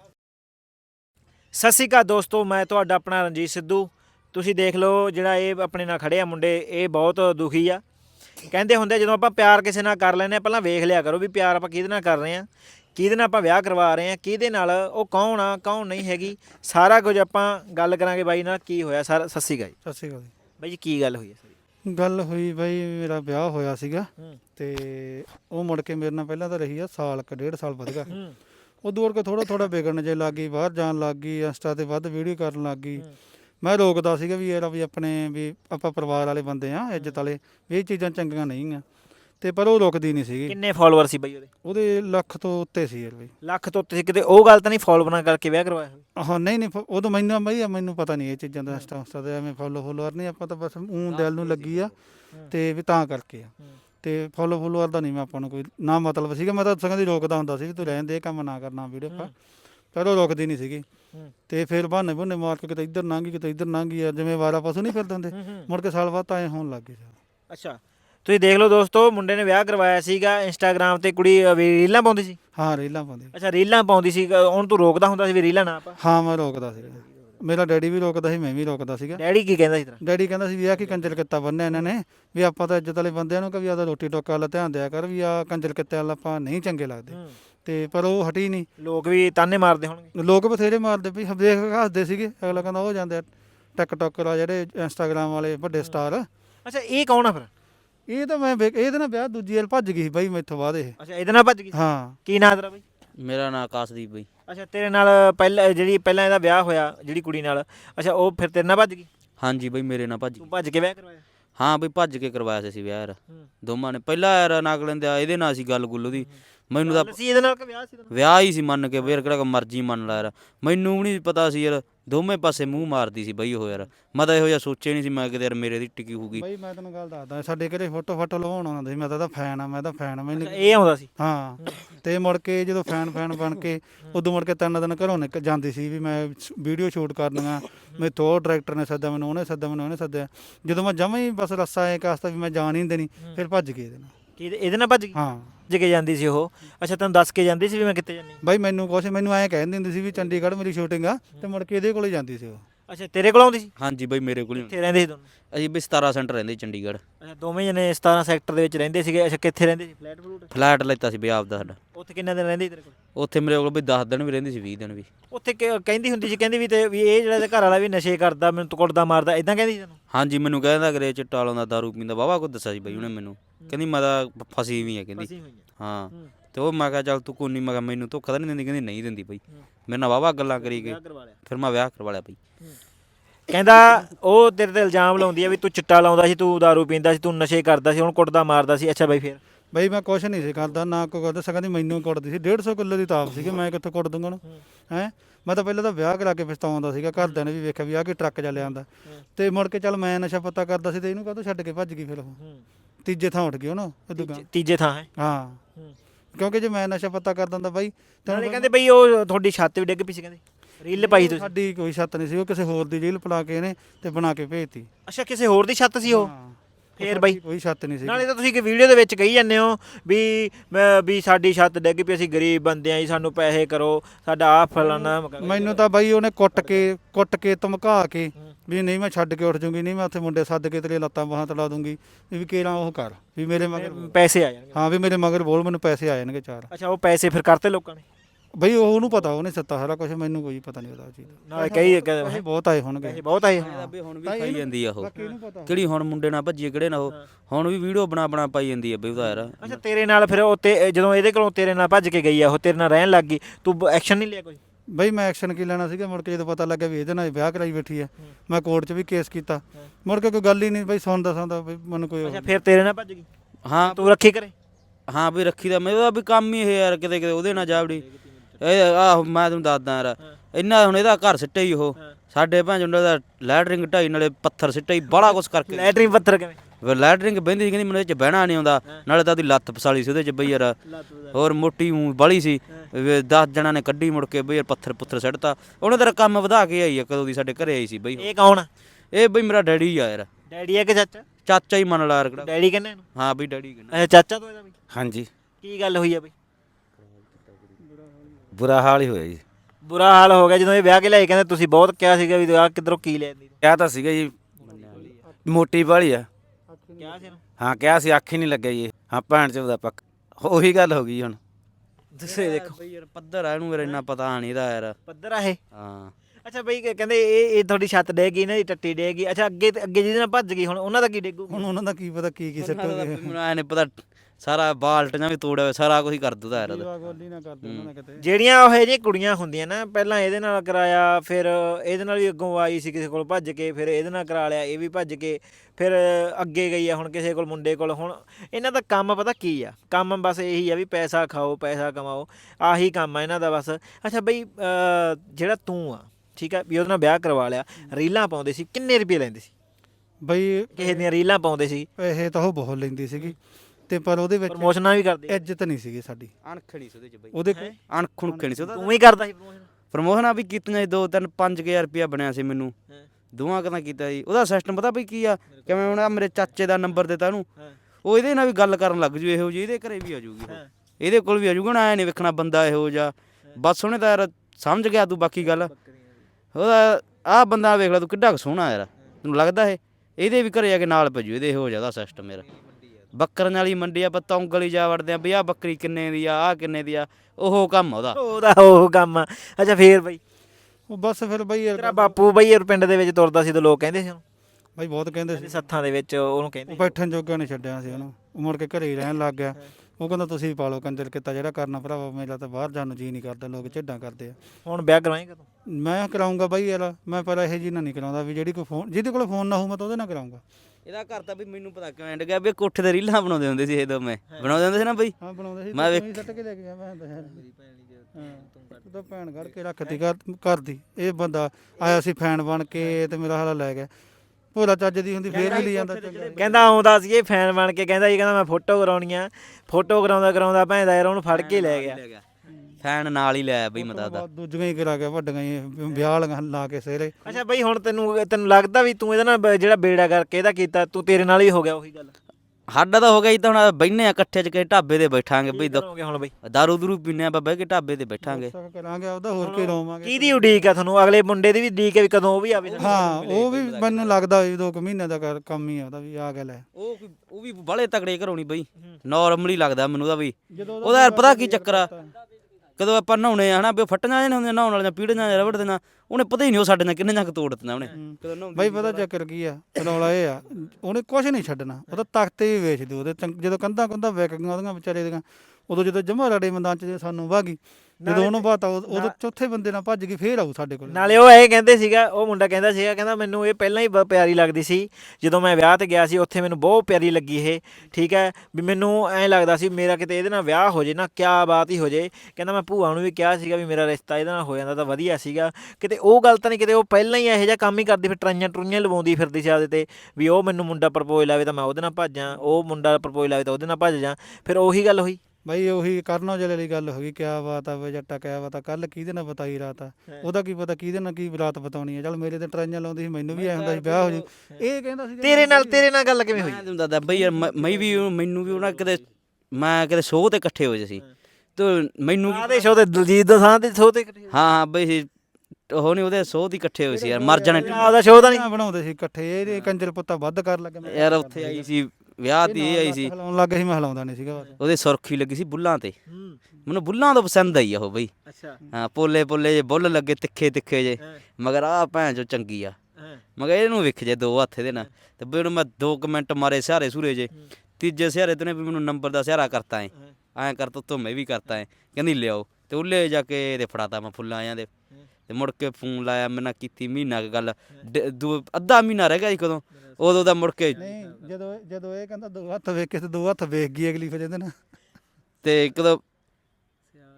[SPEAKER 1] सत श्री अकाल दोस्तों मैं तुहाडा अपना रणजीत सिद्धू ਤੁਸੀਂ ਦੇਖ ਲਓ ਜਿਹੜਾ ਇਹ ਆਪਣੇ ਨਾਲ ਖੜੇ ਆ ਮੁੰਡੇ ਇਹ ਬਹੁਤ ਦੁਖੀ ਆ ਕਹਿੰਦੇ ਹੁੰਦੇ ਜਦੋਂ ਆਪਾਂ ਪਿਆਰ ਕਿਸੇ ਨਾਲ ਕਰ ਲੈਂਦੇ ਆ ਪਹਿਲਾਂ ਵੇਖ ਲਿਆ ਕਰੋ ਵੀ ਪਿਆਰ ਆਪਾਂ ਕਿਹਦੇ ਨਾਲ ਕਰ ਰਹੇ ਆ ਕਿਹਦੇ ਨਾਲ ਆਪਾਂ ਵਿਆਹ ਕਰਵਾ ਰਹੇ ਆ ਕਿਹਦੇ ਨਾਲ ਉਹ ਕੌਣ ਆ ਕੌਣ ਨਹੀਂ ਹੈਗੀ ਸਾਰਾ ਕੁਝ ਆਪਾਂ ਗੱਲ ਕਰਾਂਗੇ ਬਾਈ ਨਾਲ ਕੀ ਹੋਇਆ ਸਾਰਾ ਸਤਿ ਸ਼੍ਰੀ ਅਕਾਲ
[SPEAKER 2] ਸਤਿ ਸ਼੍ਰੀ ਅਕਾਲ
[SPEAKER 1] ਬਾਈ ਜੀ ਕੀ ਗੱਲ ਹੋਈ ਹੈ
[SPEAKER 2] ਗੱਲ ਹੋਈ ਬਾਈ ਮੇਰਾ ਵਿਆਹ ਹੋਇਆ ਸੀਗਾ ਤੇ ਉਹ ਮੁੜ ਕੇ ਮੇਰੇ ਨਾਲ ਪਹਿਲਾਂ ਤਾਂ ਰਹੀ ਆ ਸਾਲ ਕ ਡੇਢ ਸਾਲ ਵਧ ਗਿਆ ਉਹ ਦੂਰ ਕੇ ਥੋੜਾ ਥੋੜਾ ਵਿਗੜਨ ਜੇ ਲੱਗ ਗਈ ਬਾਹਰ ਜਾਣ ਲੱਗ ਗਈ ਇੰਸਟਾ ਤੇ ਵੱਧ ਵੀਡੀਓ ਕਰਨ ਲੱਗ ਗਈ ਮੈਂ ਰੋਕਦਾ ਸੀਗਾ ਵੀ ਯਾਰ ਵੀ ਆਪਣੇ ਵੀ ਆਪਾਂ ਪਰਿਵਾਰ ਵਾਲੇ ਬੰਦੇ ਆ ਇੱਜ਼ਤ ਵਾਲੇ ਵੀ ਇਹ ਚੀਜ਼ਾਂ ਚੰਗੀਆਂ ਨਹੀਂ ਆ ਤੇ ਪਰ ਉਹ ਰੁਕਦੀ ਨਹੀਂ ਸੀਗੀ
[SPEAKER 1] ਕਿੰਨੇ ਫਾਲੋਅਰ ਸੀ ਬਾਈ ਉਹਦੇ
[SPEAKER 2] ਉਹਦੇ ਲੱਖ ਤੋਂ ਉੱਤੇ ਸੀ ਯਾਰ ਬਈ
[SPEAKER 1] ਲੱਖ ਤੋਂ ਉੱਤੇ ਸੀ ਕਿਤੇ ਉਹ ਗੱਲ ਤਾਂ ਨਹੀਂ ਫਾਲੋਅਰਾਂ ਕਰਕੇ ਵਿਆਹ ਕਰਵਾਇਆ ਹੋਵੇ
[SPEAKER 2] ਹਾਂ ਨਹੀਂ ਨਹੀਂ ਉਦੋਂ ਮੈਨੂੰ ਬਈ ਮੈਨੂੰ ਪਤਾ ਨਹੀਂ ਇਹ ਚੀਜ਼ਾਂ ਦਾ ਇੰਸਟਾ ਇੰਸਟਾ ਤੇ ਐਵੇਂ ਫੋਲੋ ਫੋਲੋਅਰ ਨਹੀਂ ਆਪਾਂ ਤਾਂ ਬਸ ਊਂ ਦਿਲ ਨੂੰ ਲੱਗੀ ਆ ਤੇ ਵੀ ਤਾਂ ਕਰਕੇ ਆ ਤੇ ਫੋਲੋ ਫੋਲੋਅਰ ਦਾ ਨਹੀਂ ਮੈਂ ਆਪਾਂ ਨੂੰ ਕੋਈ ਨਾ ਮਤਲਬ ਸੀਗਾ ਮੈਂ ਤਾਂ ਸਗੋਂ ਦੀ ਰੋਕਦਾ ਹੁੰਦਾ ਸੀ ਵੀ ਤੂੰ ਰਹਿਣ ਦੇ ਇਹ ਕੰਮ ਨਾ ਕਰਨਾ ਵੀਡੀਓ ਪਾ ਪਰ ਉਹ ਰੁਕਦੀ ਨਹੀਂ ਸੀਗੀ ਤੇ ਫਿਰ ਬਹਾਨੇ ਬਹਾਨੇ ਮਾਰ ਕੇ ਕਿਤੇ ਇੱਧਰ ਲੰਘ ਗਈ ਕਿਤੇ ਇੱਧਰ ਲੰਘ ਗਈ ਜਿਵੇਂ ਵਾਰਾ ਪਸ਼ੂ ਨਹੀਂ ਫਿਰਦੇ ਹੁੰਦੇ ਮੁੜ ਕੇ ਸਾਲ ਬਾਅਦ ਤਾਂ ਐਂ ਹੋਣ ਲੱਗ ਗਏ ਸਾਰਾ
[SPEAKER 1] ਅੱਛਾ ਤੁਸੀਂ ਦੇਖ ਲਓ ਦੋਸਤੋ ਮੁੰਡੇ ਨੇ ਵਿਆਹ ਕਰਵਾਇਆ ਸੀਗਾ ਇੰਸਟਾਗ੍ਰਾਮ ਤੇ ਕੁੜੀ ਰੀਲਾਂ ਪਾਉਂਦੀ ਸੀ
[SPEAKER 2] ਹਾਂ ਰੀਲਾਂ ਪਾਉਂਦੀ
[SPEAKER 1] ਅੱਛਾ ਰੀਲਾਂ ਪਾਉਂਦੀ ਸੀ ਹੁਣ ਤੂੰ ਰੋਕਦਾ ਹੁੰਦਾ ਸੀ ਵੀ ਰੀਲਾਂ ਨਾ ਪਾ
[SPEAKER 2] ਹਾਂ ਮੈਂ ਰੋਕਦਾ ਸੀ ਮੇਰਾ ਡੈਡੀ ਵੀ ਰੋਕਦਾ ਸੀ ਮੈਂ ਵੀ ਰੋਕਦਾ ਸੀਗਾ
[SPEAKER 1] ਡੈਡੀ ਕੀ ਕਹਿੰਦਾ ਸੀ ਤੇਰਾ
[SPEAKER 2] ਡੈਡੀ ਕਹਿੰਦਾ ਸੀ ਵੀ ਆਹ ਕੀ ਕੰਜਰ ਕਿੱਤਾ ਬੰਨਿਆ ਇਹਨਾਂ ਨੇ ਵੀ ਆਪਾਂ ਤਾਂ ਇੱਜ਼ਤ ਵਾਲੇ ਬੰਦਿਆਂ ਨੂੰ ਕਿ ਵੀ ਆਦਾ ਰੋਟੀ ਟੋਕਾ ਵੱਲ ਧਿਆਨ ਦਿਆ ਕਰ ਵੀ ਆਹ ਕੰਜਰ ਕਿੱਤੇ ਵੱਲ ਆਪਾਂ ਨਹੀਂ ਚੰਗੇ ਲੱਗਦੇ ਤੇ ਪਰ ਉਹ ਹਟੀ ਨਹੀਂ
[SPEAKER 1] ਲੋਕ ਵੀ ਤਾਨੇ ਮਾਰਦੇ ਹੋਣਗੇ
[SPEAKER 2] ਲੋਕ ਬਥੇਰੇ ਮਾਰਦੇ ਵੀ ਦੇਖ ਹੱਸਦੇ ਸੀਗੇ ਅਗਲਾ ਕਹਿੰਦਾ ਉਹ ਜਾਂਦੇ ਆ ਟਿਕਟੋਕਰ ਆ ਜਿਹੜੇ ਇੰਸਟਾਗ੍ਰਾਮ ਵਾਲੇ ਵੱਡੇ ਸਟਾਰ
[SPEAKER 1] ਅੱਛਾ ਇਹ ਕੌਣ ਆ ਫਿਰ
[SPEAKER 2] ਇਹ ਤਾਂ ਮੈਂ ਇਹਦੇ ਨਾਲ ਵਿਆਹ ਦੂਜੀ ਵਾਰ ਭੱਜ ਗਈ ਸੀ ਬਾਈ ਮੈਥੋਂ ਬਾਅਦ ਇਹ
[SPEAKER 1] ਅੱਛਾ ਇਹਦੇ ਨਾਲ ਭੱਜ ਗਈ
[SPEAKER 2] ਹਾਂ
[SPEAKER 1] ਕੀ ਨਾਂ ਤੇਰਾ ਬਾਈ
[SPEAKER 3] ਮੇਰਾ ਨਾਂ ਆਕਾਸ਼ਦੀਪ ਬਈ
[SPEAKER 1] ਅੱਛਾ ਤੇਰੇ ਨਾਲ ਪਹਿਲਾਂ ਜਿਹੜੀ ਪਹਿਲਾਂ ਇਹਦਾ ਵਿਆਹ ਹੋਇਆ ਜਿਹੜੀ ਕੁੜੀ ਨਾਲ ਅੱਛਾ ਉਹ ਫਿਰ ਤੇਰੇ ਨਾਲ ਭੱਜ ਗਈ
[SPEAKER 3] ਹਾਂਜੀ ਬਈ ਮੇਰੇ ਨਾਲ ਭੱਜ
[SPEAKER 1] ਤੂੰ ਭੱਜ ਕੇ ਵਿਆਹ ਕਰਵਾਇਆ
[SPEAKER 3] ਹਾਂ ਬਈ ਭੱਜ ਕੇ ਕਰਵਾਇਆ ਸੀ ਅਸੀਂ ਵਿਆਹ ਯਾਰ ਦੋਵਾਂ ਨੇ ਪਹਿਲਾਂ ਯਾਰ ਨਗ ਲੈਂਦੇ ਆ ਇਹਦੇ ਨਾਲ ਸੀ ਗੱਲ ਗੁੱਲ ਉਹਦੀ ਮੈਨੂੰ ਤਾਂ
[SPEAKER 1] ਸੀ ਇਹਦੇ ਨਾਲ ਕਿ ਵਿਆਹ ਸੀ
[SPEAKER 3] ਵਿਆਹ ਹੀ ਸੀ ਮੰਨ ਕੇ ਵੀ ਯਾਰ ਕਿਹੜਾ ਮਰਜ਼ੀ ਮੰਨ ਲਾ ਯਾਰ ਮੈਨੂੰ ਵੀ ਨਹੀਂ ਪਤਾ ਸੀ ਯਾਰ ਦੋਵੇਂ ਪਾਸੇ ਮੂੰਹ ਮਾਰਦੀ ਸੀ ਬਈ ਉਹ ਯਾਰ ਮੈਂ ਤਾਂ ਇਹੋ ਜਿਹਾ ਸੋਚਿਆ ਨਹੀਂ ਸੀ ਮੈਂ ਕਿਤੇ ਯਾਰ ਮੇਰੇ ਦੀ ਟਿਕੀ ਹੋਊਗੀ
[SPEAKER 2] ਬਾਈ ਮੈਂ ਤੈਨੂੰ ਗੱਲ ਦੱਸਦਾ ਸਾਡੇ ਘਰੇ ਫੋਟੋ ਫੋਟੋ ਲਵਾਉਣ ਆਉਂਦਾ ਸੀ ਮੈਂ ਤਾਂ ਇਹਦਾ ਫੈਨ ਆ ਮੈਂ ਤਾਂ ਫੈਨ ਮੈਨੂੰ
[SPEAKER 1] ਇਹ ਆਉਂਦਾ ਸੀ
[SPEAKER 2] ਹਾਂ ਤੇ ਮੁੜ ਕੇ ਜਦੋਂ ਫੈਨ ਫੈਨ ਬਣ ਕੇ ਉਦੋਂ ਮੁੜ ਕੇ ਤਿੰਨ ਦਿਨ ਘਰੋਂ ਨਿਕਲ ਜਾਂਦੀ ਸੀ ਵੀ ਮੈਂ ਵੀਡੀਓ ਸ਼ੂਟ ਕਰਨੀਆਂ ਮੈਥੋਂ ਉਹ ਡਾਇਰੈਕਟਰ ਨੇ ਸੱਦਿਆ ਮੈਨੂੰ ਉਹਨੇ ਸੱਦਿਆ ਮੈਨੂੰ ਉਹਨੇ ਸੱਦਿਆ ਜਦੋਂ ਮੈਂ ਜਮਾਂ ਹੀ ਬਸ ਰੱਸਾ ਐ ਕਾਸਤਾ ਵੀ ਮੈਂ ਜਾਣ ਹੀ ਨਹੀਂ ਦੇਣੀ ਫਿਰ ਭੱਜ ਗਏ ਇਹਦੇ ਨਾਲ
[SPEAKER 1] ਕੀ ਇਹਦੇ ਨਾਲ ਭੱਜ ਗਈ
[SPEAKER 2] ਹਾਂ
[SPEAKER 1] ਭੱਜ ਕੇ ਜਾਂਦੀ ਸੀ ਉਹ ਅੱਛਾ ਤੈਨੂੰ ਦੱਸ ਕੇ ਜਾਂਦੀ ਸੀ ਵੀ ਮੈਂ ਕਿੱਥੇ ਜਾਂਦੀ
[SPEAKER 2] ਬਾਈ ਮੈਨੂੰ ਕੁਛ ਮੈਨੂੰ ਐਂ ਕਹਿੰਦੀ ਹੁੰਦੀ ਸੀ ਵੀ ਚੰਡੀਗੜ੍ਹ ਮੇਰੀ ਸ਼ੂਟਿੰਗ ਆ ਤੇ ਮੁੜ ਕੇ ਇਹਦੇ ਕੋਲੇ ਜਾਂਦੀ ਸੀ ਉਹ
[SPEAKER 1] ਅੱਛਾ ਤੇਰੇ ਕੋਲ ਆਉਂਦੀ ਸੀ
[SPEAKER 3] ਹਾਂਜੀ ਬਈ ਮੇਰੇ ਕੋਲ ਹੀ
[SPEAKER 1] ਕਿੱਥੇ ਰਹਿੰਦੇ ਸੀ ਦੋਨੋਂ
[SPEAKER 3] ਅਸੀਂ ਬਈ ਸਤਾਰਾਂ ਸੈਂਟਰ ਰਹਿੰਦੇ ਚੰਡੀਗੜ੍ਹ
[SPEAKER 1] ਅੱਛਾ ਦੋਵੇਂ ਜਣੇ ਸਤਾਰਾਂ ਸੈਕਟਰ ਦੇ ਵਿੱਚ ਰਹਿੰਦੇ ਸੀਗੇ ਅੱਛਾ ਕਿੱਥੇ ਰਹਿੰਦੇ ਸੀ ਫਲੈਟ ਫਲੂਟ
[SPEAKER 3] ਫਲੈਟ ਲੈਤਾ ਸੀ ਬਈ ਆਪਦਾ ਸਾਡਾ
[SPEAKER 1] ਉੱਥੇ ਕਿੰਨੇ ਦਿਨ ਰਹਿੰਦੀ ਤੇਰੇ ਕੋਲ
[SPEAKER 3] ਉੱਥੇ ਮੇਰੇ ਕੋਲ ਬਈ ਦਸ ਦਿਨ ਵੀ ਰਹਿੰਦੀ ਸੀ ਵੀਹ ਦਿਨ ਵੀ
[SPEAKER 1] ਉੱਥੇ ਕਹਿੰਦੀ ਹੁੰਦੀ ਸੀ ਕਹਿੰਦੀ ਵੀ ਤੇ ਵੀ ਇਹ ਜਿਹੜਾ ਇਹਦੇ ਘਰ ਵਾਲਾ ਵੀ ਨਸ਼ੇ ਕਰਦਾ ਮੈਨੂੰ ਕੁੱਟਦਾ ਮਾਰਦਾ ਇਦਾਂ ਕਹਿੰਦੀ ਸੀ ਤੈਨੂੰ
[SPEAKER 3] ਹਾਂਜੀ ਮੈਨੂੰ ਕਹਿੰਦਾ ਕਰੇ ਚਿੱਟਾ ਲਾਉਂਦਾ ਦਾਰੂ ਪੀਂਦਾ ਵਾਹਵਾ ਕੁਝ ਦੱਸਿਆ ਸੀ ਬਈ ਉਹਨੇ ਮੈਨੂੰ ਕਹਿੰਦੀ ਮੈਂ ਤਾਂ ਫਸੀ ਵੀ ਆ ਕਹਿੰਦੀ ਹਾਂ ਤੇ ਉਹ ਮੈਂ ਕਿਹਾ ਚੱਲ ਤੂੰ ਕੋਈ ਨਹੀਂ ਮੈਂ ਕਿਹਾ ਮੈਨੂੰ ਧੋਖਾ ਤਾਂ ਨਹੀਂ ਦਿੰਦੀ ਕਹਿੰਦੀ ਨਹੀਂ ਦਿੰਦੀ ਬਈ ਮੇਰੇ ਨਾਲ ਵਾਹਵਾ ਗੱਲਾਂ ਕਰੀ ਗਈ ਫਿਰ ਮੈਂ ਵਿਆਹ ਕਰਵਾ ਲਿਆ ਬਈ
[SPEAKER 1] ਕਹਿੰਦਾ ਉਹ ਤੇਰੇ ਤੇ ਇਲਜ਼ਾਮ ਲਾਉਂਦੀ ਆ ਵੀ ਤੂੰ ਚਿੱਟਾ ਲਾਉਂਦਾ ਸੀ ਤੂੰ ਦਾਰੂ ਪੀਂਦਾ ਸੀ ਤੂੰ ਨਸ਼ੇ ਕਰਦਾ ਸੀ ਹੁਣ ਕੁੱਟਦਾ ਮਾਰਦਾ ਸੀ ਅੱਛਾ ਬਾਈ ਫਿਰ
[SPEAKER 2] ਬਾਈ ਮੈਂ ਕੁਛ ਨਹੀਂ ਸੀ ਕਰਦਾ ਨਾ ਕੋਈ ਕਰਦਾ ਸਗੋਂ ਦੀ ਮੈਨੂੰ ਕੁੱਟਦੀ ਸੀ ਡੇਢ ਸੌ ਕਿੱਲੋ ਦੀ ਤਾਪ ਸੀਗੀ ਮੈਂ ਕਿੱਥੋਂ ਕੁੱਟ ਦੂੰਗਾ ਉਹਨੂੰ ਹੈਂ ਮੈਂ ਤਾਂ ਪਹਿਲਾਂ ਤਾਂ ਵਿਆਹ ਕਰਾ ਕੇ ਪਛਤਾਉਂਦਾ ਸੀਗਾ ਘਰਦਿਆਂ ਨੇ ਵੀ ਵੇਖਿਆ ਵੀ ਆਹ ਕੀ ਟਰੱਕ ਜਾ ਲਿਆਂਦਾ ਤੇ ਮੁੜ ਕੇ ਚੱਲ ਮੈਂ ਨਸ਼ਾ ਪੱਤਾ ਕਰਦਾ ਸੀ ਤੇ ਇਹਨੂੰ ਕਾਹਤੋਂ ਛੱਡ ਕੇ ਭੱਜ ਗਈ ਫਿਰ ਉਹ ਤੀਜੇ ਥਾਂ ਉੱਠ ਗਈ ਉਹਨੂੰ
[SPEAKER 1] ਤੀਜੇ ਥਾਂ ਹੈ
[SPEAKER 2] ਹਾਂ ਕਿਉਂਕਿ ਜੇ ਮੈਂ ਨਸ਼ਾ ਪੱਤਾ ਕਰ ਦਿੰਦਾ ਬਾਈ
[SPEAKER 1] ਨਾਲੇ ਕਹਿੰਦੇ ਬਈ ਉਹ ਤੁਹਾਡੀ ਛੱਤ ਵੀ ਡਿੱਗ ਪਈ ਸੀ ਕਹਿੰਦੇ ਰੀਲ ਪਾਈ ਤੁਸੀਂ
[SPEAKER 2] ਸਾਡੀ ਕੋਈ ਛੱਤ ਨਹੀਂ ਸੀ ਉਹ ਕਿਸੇ ਹੋਰ ਦੀ ਰੀਲ ਪਲਾ ਕੇ ਇਹਨੇ ਤੇ ਬਣਾ ਕੇ ਭੇਜਤੀ
[SPEAKER 1] ਅੱਛਾ ਕਿਸੇ ਹੋਰ ਦੀ ਛੱਤ ਸੀ ਉਹ ਫੇਰ ਬਾਈ
[SPEAKER 2] ਕੋਈ ਛੱਤ ਨਹੀਂ ਸੀ
[SPEAKER 1] ਨਾਲੇ ਤਾਂ ਤੁਸੀਂ ਕਿ ਵੀਡੀਓ ਦੇ ਵਿੱਚ ਕਹੀ ਜਾਂਦੇ ਹੋ ਵੀ ਮੈਂ ਵੀ ਸਾਡੀ ਛੱਤ ਡਿੱਗ ਪਈ ਅਸੀਂ ਗਰੀਬ ਬੰਦੇ ਆਂ ਜੀ ਸਾਨੂੰ ਪੈਸੇ ਕਰੋ ਸਾਡਾ ਆਹ ਫਲਾਣਾ
[SPEAKER 2] ਮੈਨੂੰ ਤਾਂ ਬਾਈ ਉਹਨੇ ਕੁੱਟ ਕੇ ਕੁੱਟ ਕੇ ਧਮਕਾ ਕੇ ਵੀ ਨਹੀਂ ਮੈਂ ਛੱਡ ਕੇ ਉੱਠ ਜੂੰਗੀ ਨਹੀਂ ਮੈਂ ਉੱਥੇ ਮੁੰਡੇ ਸੱਦ ਕੇ ਤੇਰੇ ਲੱਤਾਂ ਬਾਹਾਂ ਤੜਾ ਦੂੰਗੀ ਵੀ ਕਿਹੜਾ ਉਹ ਕਰ ਵੀ ਮੇਰੇ ਮਗਰ
[SPEAKER 1] ਪੈਸੇ ਆ ਜਾਣਗੇ
[SPEAKER 2] ਹਾਂ ਵੀ ਮੇਰੇ ਮਗਰ ਬੋਲ ਮੈਨੂੰ ਪੈਸੇ ਆ ਜਾਣਗੇ ਚਾਰ
[SPEAKER 1] ਅੱਛਾ ਉਹ ਪੈਸੇ ਫਿਰ ਕਰਤੇ ਲੋਕਾਂ ਨੇ
[SPEAKER 2] ਬਈ ਉਹਨੂੰ ਪਤਾ ਉਹਨੇ ਸੱਤਾ ਸਾਰਾ ਕੁਝ ਮੈਨੂੰ ਕੋਈ ਪਤਾ ਨਹੀਂ ਉਹਦਾ ਚੀਜ਼
[SPEAKER 1] ਨਾਲੇ ਕਈ
[SPEAKER 2] ਪੈਸੇ ਬਹੁਤ ਆਏ ਹੋਣਗੇ
[SPEAKER 1] ਪੈਸੇ ਬਹੁਤ ਆਏ
[SPEAKER 3] ਹੁਣ ਵੀ ਖਾਈ ਜਾਂਦੀ ਆ ਉਹ ਕਿਹੜੀ ਹੁਣ ਮੁੰਡੇ ਨਾਲ ਭੱਜੀ ਕਿਹੜੇ ਨਾਲ ਉਹ ਹੁਣ ਵੀ ਵੀਡੀਓ ਬਣਾ ਬਣਾ ਪਾਈ ਜਾਂਦੀ ਆ ਬਈ ਉਹਦਾ ਯਾਰ
[SPEAKER 1] ਅੱਛਾ ਤੇਰੇ ਨਾਲ ਫਿਰ ਉਹ ਤੇ ਜਦੋਂ ਇਹਦੇ ਕੋਲੋਂ ਤੇਰੇ ਨਾਲ ਭੱਜ ਕੇ ਗਈ ਆ ਉਹ ਤੇਰੇ ਨਾਲ ਰਹਿਣ ਲੱਗ ਗਈ ਤੂੰ ਐਕਸ਼ਨ ਨਹੀਂ ਲਿਆ ਕੋਈ
[SPEAKER 2] ਬਈ ਮੈਂ ਐਕਸ਼ਨ ਕੀ ਲੈਣਾ ਸੀਗਾ ਮੁੜ ਕੇ ਜਦੋਂ ਪਤਾ ਲੱਗਿਆ ਵੀ ਇਹਦੇ ਨਾਲ ਵਿਆਹ ਕਰਾਈ ਬੈਠੀ ਆ ਮੈਂ ਕੋਰਟ 'ਚ ਵੀ ਕੇਸ ਕੀਤਾ ਮੁੜ ਕੇ ਕੋਈ ਗੱਲ ਹੀ ਨਹੀਂ ਬਈ ਸੁਣਦਾ ਸੁਣਦਾ ਬਈ ਮੈਨੂੰ ਕੋਈ
[SPEAKER 1] ਅੱਛਾ ਫਿਰ ਤੇਰੇ ਨਾਲ ਭੱਜ ਗਈ
[SPEAKER 3] ਹਾਂ
[SPEAKER 1] ਤੂੰ ਰੱਖੀ ਕਰੇ
[SPEAKER 3] ਹਾਂ ਬਈ ਰੱਖੀ ਦਾ ਮੈਂ ਉਹਦਾ ਵੀ ਕੰਮ ਹੀ ਇਹ ਯਾਰ ਕਿਤੇ ਕਿਤੇ ਉਹਦੇ ਨਾਲ ਜਾਵੜੀ ਇਹ ਆਹ ਮੈਂ ਤੁਹਾਨੂੰ ਦੱਸਦਾ ਯਾਰ ਇੰਨਾ ਹੁਣ ਇਹਦਾ ਘਰ ਸਿੱਟੇ ਹੀ ਉਹ ਸਾਡੇ ਭਾਂ ਜੁੰਡਾ ਦਾ ਲੈਟਰਿੰਗ ਢਾਈ ਨਾਲੇ ਪੱਥਰ ਸਿੱਟੇ ਹੀ ਬੜਾ ਕੁਛ ਕਰਕੇ
[SPEAKER 1] ਲੈਟਰਿੰਗ ਪੱਥਰ ਕਿਵੇਂ
[SPEAKER 3] ਲੈਟਰਿੰਗ ਬਹਿੰਦੀ ਸੀ ਕਹਿੰਦੀ ਮੈਨੂੰ ਇਹ ਚ ਬਹਿਣਾ ਨਹੀਂ ਆਉਂਦਾ ਨਾਲੇ ਤਾਂ ਉਹਦੀ ਲੱਤ ਫਸਾਲੀ ਸੀ ਉਹਦੇ ਚ ਬਈ ਯਾਰ ਹੋਰ ਮੋਟੀ ਊਂ ਬਾਹਲੀ ਸੀ ਦਸ ਜਣਾਂ ਨੇ ਕੱਢੀ ਮੁੜ ਕੇ ਬਈ ਯਾਰ ਪੱਥਰ ਪੁੱਥਰ ਸੱਟਤਾ ਉਹਨੇ ਤੇਰਾ ਕੰਮ ਵਧਾ ਕੇ ਆਈ ਆ ਕਦੋਂ ਦੀ ਸਾਡੇ ਘਰੇ ਆਈ ਸੀ ਬਈ
[SPEAKER 1] ਇਹ ਕੌਣ?
[SPEAKER 3] ਇਹ ਬਈ ਮੇਰਾ ਡੈਡੀ ਆ ਯਾਰ
[SPEAKER 1] ਡੈਡੀ ਹੈ ਕਿ ਚਾਚਾ?
[SPEAKER 3] ਚਾਚਾ ਹੀ ਮੰਨ ਲਾ ਯਾਰ ਕਿਹੜਾ
[SPEAKER 1] ਡੈਡੀ ਕਹਿੰਦੇ ਇਹਨੂੰ?
[SPEAKER 3] ਹਾਂ ਬਈ ਡੈਡੀ ਕਹਿੰਦਾ
[SPEAKER 1] ਅੱਛਾ ਚਾਚਾ ਤੋਂ ਇਹਦਾ ਬਈ
[SPEAKER 4] ਹਾਂਜੀ
[SPEAKER 1] ਕੀ ਗੱਲ ਹੋਈ ਆ ਬਈ?
[SPEAKER 4] ਬੁਰਾ ਹਾਲ ਹੀ ਹੋਇਆ ਜੀ।
[SPEAKER 1] ਬੁਰਾ ਹਾਲ ਹੋ ਗਿਆ ਜਦੋਂ ਇਹ ਵਿਆਹ ਕੇ ਲਿਆਏ ਕਹਿੰਦੇ ਤੁਸੀਂ ਬਹੁਤ ਕਿਹਾ ਸੀਗਾ ਵੀ ਆਹ ਕਿੱਧਰੋਂ ਕੀ ਲੈਂਦੀ
[SPEAKER 4] ਕਿਹਾ ਤਾਂ ਸੀਗਾ ਜੀ ਮੋਟੀ ਵਾਲੀ ਆ
[SPEAKER 1] ਕਿਹਾ ਸੀ ਇਹਨੂੰ?
[SPEAKER 4] ਹਾਂ ਕਿਹਾ ਸੀ ਅੱਖ ਹੀ ਨਹੀਂ ਲੱਗਿਆ ਜੀ ਹਾਂ ਭੈਣ ਚੋਦਾ ਪੱਕ ਉਹੀ ਗੱਲ ਹੋ ਗਈ ਹੁਣ
[SPEAKER 1] ਤੁਸੀਂ ਦੇਖੋ
[SPEAKER 3] ਬਈ ਯਾਰ ਪੱਧਰ ਆ ਇਹਨੂੰ ਮੇਰਾ ਇੰਨਾ ਪਤਾ ਨਹੀਂ ਇਹਦਾ ਯਾਰ
[SPEAKER 1] ਪੱਧਰ ਆ ਇਹ।
[SPEAKER 3] ਹਾਂ
[SPEAKER 1] ਅੱਛਾ ਬਈ ਕ- ਕਹਿੰਦੇ ਇਹ ਇਹ ਤੁਹਾਡੀ ਛੱਤ ਡੇਗੀ ਇਹਨਾਂ ਦੀ ਟੱਟੀ ਡੇਗੀ। ਅੱਛਾ ਅੱਗੇ ਅੱਗੇ ਜਿਹਦੇ ਨਾਲ ਭੱਜ ਗਈ ਹੁਣ ਉਹਨਾਂ ਦਾ ਕੀ ਡੇਗੂਗੀ?
[SPEAKER 2] ਹੁਣ ਉਹਨਾਂ ਦਾ ਕੀ ਪਤਾ ਕੀ ਕੀ ਸੱਟੋਗੇ
[SPEAKER 3] ਮੈਨੂੰ ਐ ਨਹੀਂ ਪਤਾ ਸਾਰਾ ਬਾਲਟੀਆਂ ਵੀ ਤੋੜਿਆ ਹੋਇਆ ਸਾਰਾ ਕੁਝ ਕਰ ਦੂਦਾ ਯਾਰ ਉਹਦਾ
[SPEAKER 2] ਗੋਲੀ ਨਾ ਕਰਦੇ ਉਹਨਾਂ ਨੇ ਕਿਤੇ
[SPEAKER 1] ਜਿਹੜੀਆਂ ਉਹ ਜਿਹੜੀਆਂ ਕੁੜੀਆਂ ਹੁੰਦੀਆਂ ਨਾ ਪਹਿਲਾਂ ਇਹਦੇ ਨਾਲ ਕਰਾਇਆ ਫਿਰ ਇਹਦੇ ਨਾਲ ਵੀ ਅੱਗੋਂ ਆਈ ਸੀ ਕਿਸੇ ਕੋਲ ਭੱਜ ਕੇ ਫਿਰ ਇਹਦੇ ਨਾਲ ਕਰਾ ਲਿਆ ਇਹ ਵੀ ਭੱਜ ਕੇ ਫਿਰ ਅੱਗੇ ਗਈ ਆ ਹੁਣ ਕਿਸੇ ਕੋਲ ਮੁੰਡੇ ਕੋਲ। ਹੁਣ ਇਹਨਾਂ ਦਾ ਕੰਮ ਪਤਾ ਕੀ ਆ? ਕੰਮ ਬਸ ਇਹੀ ਆ ਵੀ ਪੈਸਾ ਖਾਓ ਪੈਸਾ ਕਮਾਓ ਆਹੀ ਕੰਮ ਆ ਇਹਨਾਂ ਦਾ ਬਸ। ਅੱਛਾ ਬਈ ਅਹ ਜਿਹੜਾ ਤੂੰ ਆ ਠੀਕ ਆ ਵੀ ਉਹਦੇ ਨਾਲ ਵਿਆਹ ਕਰਵਾ ਲਿਆ ਰੀਲਾਂ ਪਾਉਂਦੇ ਸੀ ਕਿੰਨੇ ਰੁਪਏ ਲੈਂਦੇ ਸੀ?
[SPEAKER 2] ਬਈ
[SPEAKER 1] ਕਿਸੇ ਦੀਆਂ ਰੀਲਾਂ ਪਾਉਂਦੇ ਸੀ
[SPEAKER 2] ਪੈਸੇ ਤਾਂ ਉਹ ਬਹੁਤ ਲੈਂਦੀ ਸੀਗੀ ਤੇ ਪਰ ਉਹਦੇ ਵਿੱਚ
[SPEAKER 1] ਪ੍ਰਮੋਸ਼ਨਾਂ ਵੀ ਕਰਦੇ
[SPEAKER 2] ਇੱਜ਼ਤ ਨਹੀਂ ਸੀਗੀ ਸਾਡੀ
[SPEAKER 3] ਅਣਖਣੀ ਸੀ ਉਹਦੇ ਚ ਬਈ
[SPEAKER 2] ਉਹਦੇ
[SPEAKER 3] ਅਣਖ ਉਣਖਣੀ ਸੀ ਉਹਦਾ
[SPEAKER 1] ਤੂੰ ਹੀ ਕਰਦਾ ਸੀ ਪ੍ਰਮੋਸ਼ਨ?
[SPEAKER 3] ਪ੍ਰਮੋਸ਼ਨਾਂ ਵੀ ਕੀਤੀਆਂ ਸੀ ਦੋ ਤਿੰਨ ਪੰਜ ਹਜ਼ਾਰ ਰੁਪਇਆ ਬਣਿਆ ਸੀ ਮੈਨੂੰ ਦੋਵਾਂ ਕਦਾਂ ਕੀਤਾ ਜੀ ਉਹਦਾ ਸਿਸਟਮ ਪਤਾ ਬਈ ਕੀ ਆ ਕਿਵੇਂ ਹੁਣ ਆਹ ਮੇਰੇ ਚਾਚੇ ਦਾ ਨੰਬਰ ਦਿੱਤਾ ਉਹਨੂੰ ਉਹ ਇਹਦੇ ਨਾਲ ਵੀ ਗੱਲ ਕਰਨ ਲੱਗ ਜੂ ਇਹੋ ਜਿਹੀ ਇਹਦੇ ਘਰੇ ਵੀ ਆ ਜੂਗੀ ਉਹ ਇਹਦੇ ਕੋਲ ਵੀ ਆ ਜੂਗਾ ਨਾ ਐ ਨਹੀਂ ਵੇਖਣਾ ਬੰਦਾ ਇਹੋ ਜਿਹਾ ਬਸ ਉਹਨੇ ਤਾਂ ਯਾਰ ਸਮਝ ਗਿਆ ਤੂੰ ਬਾਕੀ ਗੱਲ ਉਹਦਾ ਆਹ ਬੰਦਾ ਵੇਖ ਲੈ ਤੂੰ ਕਿੱਡਾ ਕੁ ਸੋਹਣਾ ਯਾਰ ਤੈਨੂੰ ਲੱਗਦਾ ਇਹ ਇਹਦੇ ਵੀ ਘਰੇ ਆ ਕੇ ਨਾਲ ਭਜੂ ਇਹਦੇ ਇਹੋ ਜਿਹਾ ਦਾ ਸਿਸਟਮ ਮੇਰਾ ਬੱਕਰਨ ਵਾਲੀ ਮੰਡੀ ਆਪਾਂ ਤੌਂਗਲੀ ਜਾ ਵੜਦੇ ਆ ਵੀ ਆਹ ਬੱਕਰੀ ਕਿੰਨੇ ਦੀ ਆ ਆਹ ਕਿੰਨੇ ਦੀ ਆ ਉਹ ਕੰਮ ਉਹਦਾ
[SPEAKER 1] ਉਹਦਾ ਉਹ ਕੰਮ ਆ। ਅੱਛਾ ਫੇਰ ਬਈ
[SPEAKER 2] ਉਹ ਬਸ ਫਿਰ ਬਈ ਯਾਰ
[SPEAKER 1] ਤੇਰਾ ਬਾਪੂ ਬਈ ਯਾਰ ਪਿੰਡ ਦੇ ਵਿੱਚ ਤੁਰਦਾ ਸੀ ਤਾਂ ਲੋਕ ਕਹਿੰਦੇ ਸੀ ਉਹਨੂੰ
[SPEAKER 2] ਬਈ ਬਹੁਤ ਕਹਿੰਦੇ ਸੀ
[SPEAKER 1] ਸੱਥਾਂ ਦੇ ਵਿੱਚ ਉਹਨੂੰ ਕਹਿੰਦੇ
[SPEAKER 2] ਉਹ ਬੈਠਣ ਜੋਗਾ ਨਹੀਂ ਛੱਡਿਆ ਸੀ ਉਹਨੂੰ ਉਹ ਮੁੜ ਕੇ ਘਰੇ ਹੀ ਰਹਿਣ ਲੱਗ ਗਿਆ। ਉਹ ਕਹਿੰਦਾ ਤੁਸੀਂ ਪਾਲੋ ਕੰਜਰ ਕੀਤਾ ਜਿਹੜਾ ਕਰਨਾ ਭਰਾਵਾ ਮੇਰਾ ਤਾਂ ਬਾਹਰ ਜਾਣ ਨੂੰ ਜੀ ਨਹੀਂ ਕਰਦਾ ਲੋਕ ਝੇਡਾਂ ਕਰਦੇ ਆ।
[SPEAKER 1] ਹੁਣ ਵਿਆਹ ਕਰਵਾਏਂਗਾ ਤੂੰ?
[SPEAKER 2] ਮੈਂ ਕਰਾਉਂਗਾ ਬਾਈ ਯਾਰ ਮੈਂ ਪਰ ਇਹੋ ਜਿਹੀ ਨਾਲ ਨਹੀਂ ਕਰਾਉਂਦਾ ਵੀ ਜਿਹੜੀ ਕੋਈ ਫੋਨ ਜਿਹਦੇ ਕੋਲ ਫੋਨ ਨਾ ਹੋਊ ਮੈਂ ਤਾਂ ਉਹਦੇ ਨਾਲ ਕਰਾਉਂਗਾ।
[SPEAKER 3] ਇਹਦਾ ਘਰ ਤਾਂ ਵੀ ਮੈਨੂੰ ਪਤਾ ਕਿਵੇਂ ਐਂਡ ਗਿਆ ਵੀ ਕੋਠੇ ਤੇ ਰੀਲਾਂ ਬਣਾਉਂਦੇ ਹੁੰਦੇ ਸੀ ਇਹ ਦੋਵੇਂ ਬਣਾਉਂਦੇ ਹੁੰਦੇ ਸੀ ਨਾ ਬਈ
[SPEAKER 2] ਹਾਂ ਬਣਾਉਂਦੇ ਸੀ
[SPEAKER 3] ਮੈਂ
[SPEAKER 2] ਮੈਂ ਸੱਟ ਕੇ ਲੈ ਕੇ ਗਿਆ ਮੈਂ ਤਾਂ ਯਾਰ ਮੇਰੀ ਭੈਣ ਦੀ ਤੂੰ ਤਾਂ ਭੈਣ ਘੜ ਕੇ ਰੱਖਤੀ ਘਰ ਘਰ ਦੀ ਇਹ ਬੰਦਾ ਆਇਆ ਸੀ ਫੈਨ ਬਣ ਕੇ ਤੇ ਮੇਰਾ ਹਾਲਾ ਲੈ ਗਿਆ ਭੋਲਾ ਚੱਜ ਦੀ ਹੁੰਦੀ ਫੇਰ ਵੀ ਲਈ ਜਾਂਦਾ ਚੰਗਾ।
[SPEAKER 1] ਕਹਿੰਦਾ ਆਉਂਦਾ ਸੀ ਇਹ ਫੈਨ ਬਣ ਕੇ ਕਹਿੰਦਾ ਇਹ ਕਹਿੰਦਾ ਮੈਂ ਫੋਟੋ ਕਰਾਉਣੀ ਆ ਫੋਟੋ ਕਰਾਉਂਦਾ ਕਰਾਉਂਦਾ ਭੈਂਦਾ ਯਾਰ ਉਹਨੂੰ ਫੜ ਕੇ ਲੈ ਗਿਆ
[SPEAKER 3] ਫੈਨ ਨਾਲ ਹੀ ਲਿਆ ਬਈ ਮਤਾ ਦਾ
[SPEAKER 2] ਦੂਜੀਆਂ ਹੀ ਕਰਾ ਗਿਆ ਵੱਡੀਆਂ ਹੀ ਵਿਆਹ ਵਾਲੀਆਂ ਲਾ ਕੇ ਸਿਰੇ।
[SPEAKER 1] ਅੱਛਾ ਬਈ ਹੁਣ ਤੈਨੂੰ ਤੈਨੂੰ ਲੱਗਦਾ ਵੀ ਤੂੰ ਇਹਦੇ ਨਾਲ ਬ- ਜਿਹੜਾ ਬੇੜਾ ਕਰਕੇ ਇਹਦਾ ਕੀਤਾ ਤੂੰ ਤੇਰੇ ਨਾਲ ਹੀ ਹੋ ਗਿਆ ਉਹੀ ਗੱਲ?
[SPEAKER 3] ਸਾਡਾ ਤਾਂ ਹੋ ਗਿਆ ਜੀ ਤਾਂ ਹੁਣ ਬੈਠਨੇ ਆ ਇਕੱਠੇ ਚ ਕੇ ਢਾਬੇ ਤੇ ਬੈਠਾਂਗੇ ਬਈ
[SPEAKER 1] ਹੋ ਗਿਆ ਹੁਣ ਬਈ
[SPEAKER 3] ਦਾਰੂ ਦਰੂ ਪੀਨੇ ਆ ਬਹਿ ਕੇ ਢਾਬੇ ਤੇ ਬੈਠਾਂਗੇ
[SPEAKER 2] ਸਭ ਕਰਾਂਗੇ ਉਹਦਾ ਹੋਰ ਕੀ ਰੋਵਾਂਗੇ।
[SPEAKER 1] ਕਿਹਦੀ ਉਡੀਕ ਆ ਤੁਹਾਨੂੰ? ਅਗਲੇ ਮੁੰਡੇ ਦੀ ਵੀ ਉਡੀਕ ਹੈ ਵੀ ਕਦੋਂ ਉਹ ਵੀ ਆਵੇ?
[SPEAKER 2] ਹਾਂ ਉਹ ਵੀ ਮੈਨੂੰ ਲੱਗਦਾ ਵੀ ਦੋ ਕੁ ਮਹੀਨੇ ਦਾ ਕਰ- ਕੰਮ ਹੀ ਆ ਉਹਦਾ ਵੀ ਆ ਗਿਆ ਲੈ।
[SPEAKER 3] ਉਹ ਵੀ ਉਹ ਵੀ ਬਾਲੇ ਤਗੜੇ ਘਰੋਣੀ ਬਈ ਨਾਰਮਲੀ ਲੱਗਦਾ ਮੈਨੂੰ ਉਹਦਾ ਵੀ ਉਹਦਾ ਯਾਰ ਪਤਾ ਕੀ ਚੱਕਰ ਆ ਕਦੋਂ ਆਪਾਂ ਨਹਾਉਣੇ ਆ ਹਨਾ ਵੀ ਉਹ ਫੱਟੀਆਂ ਜਾਂ ਹੁੰਦੀਆਂ ਨਹਾਉਣ ਵਾਲੀਆਂ ਪੀੜੀਆਂ ਜਾਂ ਰਬੜ ਦੀਆਂ ਉਹਨੇ ਪਤਾ ਹੀ ਨਹੀਂ ਉਹ ਸਾਡੇ ਨਾਲ ਕਿੰਨੇ ਜੰਗ ਤੋੜ ਦਿੱਤਾ ਉਹਨੇ ਕਦੋਂ ਨਹਾਉਂਦੀ
[SPEAKER 2] ਬਾਈ ਪਤਾ ਚੱਕਰ ਕੀ ਆ ਰੌਲਾ ਇਹ ਆ ਉਹਨੇ ਕੁਝ ਨਹੀਂ ਛੱਡਣਾ ਉਹਦਾ ਤਖਤੇ ਵੀ ਵੇਚ ਦਿਓ ਉਹਦੇ ਚੰਗ- ਜਦੋਂ ਕੰਧਾਂ ਕੰਧਾਂ ਵਿਕ ਗਈਆਂ ਉਹਦੀਆਂ ਵਿਚਾਰੇ ਦੀਆਂ ਉਦੋਂ ਜਦੋਂ ਜਮਾ ਰੜੇ ਮੈਦਾਨ ਚ ਸਾਨੂੰ ਵਾਗੀ ਜਦੋਂ ਉਹਨੂੰ ਬਾਤ ਉਦੋਂ ਚੌਥੇ ਬੰਦੇ ਨਾਲ ਭੱਜ ਗਈ ਫੇਰ ਆਊ ਸਾਡੇ ਕੋਲ।
[SPEAKER 1] ਨਾਲੇ ਉਹ ਇਹ ਕਹਿੰਦੇ ਸੀਗਾ ਉਹ ਮੁੰਡਾ ਕਹਿੰਦਾ ਸੀਗਾ ਕਹਿੰਦਾ ਮੈਨੂੰ ਇਹ ਪਹਿਲਾਂ ਹੀ ਬ- ਪਿਆਰੀ ਲੱਗਦੀ ਸੀ ਜਦੋਂ ਮੈਂ ਵਿਆਹ ਤੇ ਗਿਆ ਸੀ ਉੱਥੇ ਮੈਨੂੰ ਬਹੁਤ ਪਿਆਰੀ ਲੱਗੀ ਇਹ ਠੀਕ ਹੈ ਵੀ ਮੈਨੂੰ ਐਂ ਲੱਗਦਾ ਸੀ ਮੇਰਾ ਕਿਤੇ ਇਹਦੇ ਨਾਲ ਵਿਆਹ ਹੋ ਜੇ ਨਾ ਕਿਆ ਬਾਤ ਹੀ ਹੋ ਜੇ। ਕਹਿੰਦਾ ਮੈਂ ਭੂਆ ਨੂੰ ਵੀ ਕਿਹਾ ਸੀਗਾ ਵੀ ਮੇਰਾ ਰਿਸ਼ਤਾ ਇਹਦੇ ਨਾਲ ਹੋ ਜਾਂਦਾ ਤਾਂ ਵਧੀਆ ਸੀਗਾ ਕਿਤੇ ਉਹ ਗੱਲ ਤਾਂ ਨਹੀਂ ਕਿਤੇ ਉਹ ਪਹਿਲਾਂ ਹੀ ਇਹੋ ਜਿਹਾ ਕੰਮ ਹੀ ਕਰਦੀ ਫਿਰ ਟਰਾਈਆਂ ਟਰੂਈਆਂ ਲਵਾਉਂਦੀ ਫਿਰਦੀ ਸੀ ਆਪਦੇ ਤੇ ਵੀ ਉਹ ਮੈਨੂੰ ਮੁੰਡਾ ਪ੍ਰਪੋਜ਼ ਲਾਵੇ ਤਾਂ ਮੈਂ ਉਹਦੇ ਨਾਲ ਭੱਜਾਂ ਉਹ ਮੁੰਡਾ ਪ੍ਰਪੋਜ਼ ਲਾਵੇ ਤਾਂ ਉਹਦੇ ਨਾਲ ਭੱਜ ਜਾ ਫਿਰ ਉਹੀ ਗੱਲ ਹੋਈ।
[SPEAKER 2] ਬਾਈ ਉਹੀ ਕਰਨ ਔਜਲੇ ਵਾਲੀ ਗੱਲ ਹੋ ਗਈ ਕਿਆ ਬਾਤ ਆ ਵੇ ਜੱਟਾ ਕਿਆ ਬਾਤ ਆ ਕੱਲ ਕਿਹਦੇ ਨਾਲ ਬਤਾਈ ਰਾਤ ਆ ਉਹਦਾ ਕੀ ਪਤਾ ਕਿਹਦੇ ਨਾਲ ਕੀ ਰਾਤ ਬਤਾਉਣੀ ਆ। ਚੱਲ ਮੇਰੇ ਤੇ ਟਰਾਈਆਂ ਲਾਉਂਦੀ ਸੀ ਮੈਨੂੰ ਵੀ ਐ ਹੁੰਦਾ ਸੀ ਵਿਆਹ ਹੋ ਜੂ ਇਹ ਕਹਿੰਦਾ ਸੀ
[SPEAKER 1] ਤੇਰੇ ਨਾਲ ਤੇਰੇ ਨਾਲ ਗੱਲ ਕਿਵੇਂ ਹੋਈ?
[SPEAKER 3] ਮੈਂ ਤੈਨੂੰ ਦੱਸਦਾ ਬਈ ਯਾਰ ਮੈਂ ਮੈਂ ਵੀ ਉਹ- ਮੈਨੂੰ ਵੀ ਉਹਨਾਂ ਕਿਤੇ ਮੈਂ ਕਿਤੇ ਸ਼ੋਅ ਤੇ ਇਕੱਠੇ ਹੋਏ ਸੀ ਤੇ ਮੈਨੂੰ
[SPEAKER 1] ਆਹ ਦੇ ਸ਼ੋਅ ਤੇ ਦਲਜੀਤ ਦੋਸਾਂਝ ਦੇ ਸ਼ੋਅ ਤੇ ਇਕੱਠੇ?
[SPEAKER 3] ਹਾਂ ਹਾਂ ਬਈ ਉਹ ਨਹੀਂ ਉਹਦੇ ਸ਼ੋਅ ਦੀ ਇਕੱਠੇ ਹੋਏ ਸੀ ਯਾਰ ਮਰ ਜਾਣੇ
[SPEAKER 2] ਆਪਦਾ ਸ਼ੋਅ ਤਾਂ ਨਹੀਂ ਬਣਾਉਂਦੇ ਸੀ ਇਕੱਠੇ ਇਹਦੇ ਕੰਜਰ ਪੁੱਤਾ ਵੱਧ ਕਰ ਲੱਗੇ ਮੈਂ
[SPEAKER 3] ਯਾਰ ਉੱਥੇ ਆਈ ਸੀ ਵਿਆਹ ਤੇ ਇਹ ਆਈ ਸੀ
[SPEAKER 2] ਹਲਾਉਣ ਲੱਗ ਸੀ ਮੈਂ ਹਲਾਉਂਦਾ ਨਹੀਂ ਸੀਗਾ ਬਸ।
[SPEAKER 3] ਉਹਦੇ ਸੁਰਖੀ ਲੱਗੀ ਸੀ ਬੁੱਲਾਂ ਤੇ ਮੈਨੂੰ ਬੁੱਲਾਂ ਤੋਂ ਪਸੰਦ ਆਈ ਆ ਉਹ ਬਈ
[SPEAKER 1] ਅੱਛਾ
[SPEAKER 3] ਹਾਂ ਪੋਲੇ ਪੋਲੇ ਜੇ ਬੁੱਲ ਲੱਗੇ ਤਿੱਖੇ ਤਿੱਖੇ ਜੇ ਮਗਰ ਆ ਭੈਣ ਚੋ ਚੰਗੀ ਆ ਮਗਰ ਇਹਨੂੰ ਵੇਖ ਜੇ ਦੋ ਹੱਥ ਇਹਦੇ ਨਾਲ ਤੇ ਬਈ ਉਹਨੂੰ ਮੈਂ ਦੋ ਕੁ ਮਿੰਟ ਮਾਰੇ ਸਿਹਾਰੇ ਸੂਰੇ ਜੇ ਤੀਜੇ ਸਿਹਾਰੇ ਤੇ ਨੇ ਵੀ ਮੈਨੂੰ ਨੰਬਰ ਦਾ ਸਿਹਾਰਾ ਕਰਤਾ ਐ ਐਂ ਕਰ ਤੋ ਮੈਂ ਵੀ ਕਰਤਾ ਐ ਕਹਿੰਦੀ ਲਿਆਓ ਤੇ ਉੱਲੇ ਜਾ ਕੇ ਇਹਦੇ ਫੜਾਤਾ ਮੈਂ ਫੁੱਲਾਂ ਆਇਆਂ ਦੇ ਤੇ ਮੁੜ ਕੇ ਫੋਨ ਲਾਇਆ ਮੇਰੇ ਨਾਲ ਕੀਤੀ ਮਹੀਨਾ ਕੁ ਗੱਲ ਡ- ਦੂ ਅੱਧਾ ਮਹੀਨਾ ਰਹਿ ਗਿਆ ਸੀ ਕਦੋਂ ਉਦੋਂ ਦਾ ਮੁੜ ਕੇ
[SPEAKER 2] ਨਹੀਂ ਜਦੋਂ ਜਦੋਂ ਇਹ ਕਹਿੰਦਾ ਦੋ ਹੱਥ ਵੇਖ ਕੇ ਤੇ ਦੋ ਹੱਥ ਵੇਖ ਗਈ ਅਗਲੀ ਫਿਰ ਇਹਦੇ ਨਾਲ
[SPEAKER 3] ਤੇ ਕਦੋਂ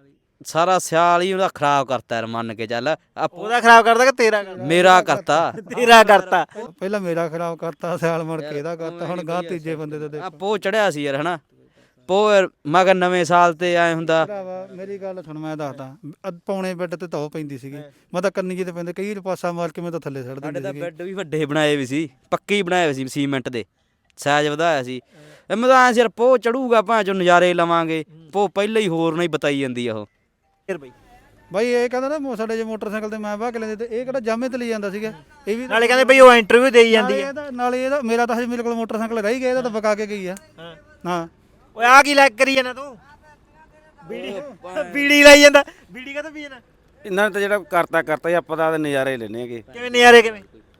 [SPEAKER 3] ਸਾਰਾ ਸਿਆਲ ਹੀ ਉਹਦਾ ਖਰਾਬ ਕਰਤਾ ਯਾਰ ਮੰਨ ਕੇ ਚੱਲ ਆ
[SPEAKER 1] ਉਹਦਾ ਖਰਾਬ ਕਰਦਾ ਕਿ ਤੇਰਾ ਕਰਦਾ?
[SPEAKER 3] ਮੇਰਾ ਕਰਤਾ
[SPEAKER 1] ਤੇਰਾ ਕਰਤਾ।
[SPEAKER 2] ਪਹਿਲਾਂ ਮੇਰਾ ਖਰਾਬ ਕਰਤਾ ਸਿਆਲ ਮੁੜ ਕੇ ਇਹਦਾ ਕਰਤਾ ਹੁਣ ਗਾਂ ਤੀਜੇ ਬੰਦੇ ਦਾ
[SPEAKER 3] ਆ
[SPEAKER 2] ਦੇਖੋ
[SPEAKER 3] ਪੋ ਚੜਿਆ ਸੀ ਯਾਰ ਹਨਾ ਪੋ ਯਾਰ ਮੈਂ ਕਿਹਾ ਨਵੇਂ ਸਾਲ ਤੇ ਐ ਹੁੰਦਾ
[SPEAKER 2] ਭਰਾਵਾ ਮੇਰੀ ਗੱਲ ਸੁਣ ਮੈਂ ਦੱਸਦਾ ਅੱਧ ਪੌਣੇ ਬੈੱਡ ਤੇ ਧੋ ਪੈਂਦੀ ਸੀਗੀ ਮੈਂ ਤਾਂ ਕੰਨੀ ਜਿਹੇ ਤੇ ਪੈਂਦੇ ਕਈ ਪਾਸਾ ਮਾਰ ਕੇ ਮੈਂ ਤਾਂ ਥੱਲੇ ਛੱਡ
[SPEAKER 3] ਸਾਡੇ
[SPEAKER 2] ਦਿੰਦੀ
[SPEAKER 3] ਤਾਂ
[SPEAKER 2] ਸੀਗੀ
[SPEAKER 3] ਬੈੱਡ ਵੀ ਵੱਡੇ ਬਣਾਏ ਵੀ ਸੀ ਪੱਕੇ ਹੀ ਬਣਾਏ ਹੋਏ ਸੀ ਸੀਮੈਂਟ ਦੇ ਸਾਈਜ਼ ਵਧਾਇਆ ਸੀ ਇਹ ਮੈਂ ਤਾਂ ਐ ਸਿਰ ਪੋ ਚੜੂਗਾ ਭਾਂ ਚੋਂ ਨਜ਼ਾਰੇ ਲਵਾਂਗੇ ਪੋ ਪਹਿਲਾਂ ਹੀ ਹੋਰ ਨਹੀਂ ਬਤਾਈ ਜਾਂਦੀ ਆ ਉਹ
[SPEAKER 1] ਫਿਰ ਬਈ
[SPEAKER 2] ਬਾਈ ਇਹ ਕਹਿੰਦਾ ਨਾ ਮੋ- ਸਾਡੇ ਜੇ ਮੋਟਰਸਾਈਕਲ ਤੇ ਮੈਂ ਬਾਹ ਕੇ ਲੈਂਦੇ ਤੇ ਇਹ ਕਿਹੜਾ ਜਾਮੇ ਤੇ ਲਈ ਜਾਂਦਾ ਸੀਗਾ ਇਹ ਵੀ
[SPEAKER 1] ਨਾਲੇ ਕਹਿੰਦੇ ਬਈ ਉਹ ਇੰਟਰਵਿਊ ਦੇਈ ਜਾਂਦੀ
[SPEAKER 2] ਨਾਲੇ
[SPEAKER 1] ਹੈ।
[SPEAKER 2] ਇਹਦਾ ਨਾਲੇ ਇਹਦਾ ਮੇਰਾ ਤਾਂ ਹਜੇ ਮੇਰੇ ਕੋਲ ਮੋਟਰਸਾਈਕਲ ਰਹਿ ਹੀ ਗਿਆ ਇਹਦਾ ਤਾਂ ਬਕਾ ਕੇ ਗਈ ਆ
[SPEAKER 1] ਹਾਂ
[SPEAKER 2] ਹਾਂ
[SPEAKER 1] ਓਏ ਆ ਕੀ ਲੈਕ ਕਰੀ ਜਾਂਦਾ ਤੂੰ? ਬੀੜੀ ਬੀੜੀ ਲਾਈ ਜਾਂਦਾ। ਬੀੜੀ ਕਾਹਤੋਂ ਪੀ ਜਾਂਦਾ?
[SPEAKER 4] ਇਹਨਾਂ ਨੇ ਤਾਂ ਜਿਹੜਾ ਕਰਤਾ ਕਰਤਾ ਹੀ ਆਪਾਂ ਤਾਂ ਆਪਦੇ ਨਜ਼ਾਰੇ ਲੈਣੇ ਹੈਗੇ
[SPEAKER 1] ਕਿਵੇਂ ਨਜ਼ਾਰੇ ਕਿਵੇਂ?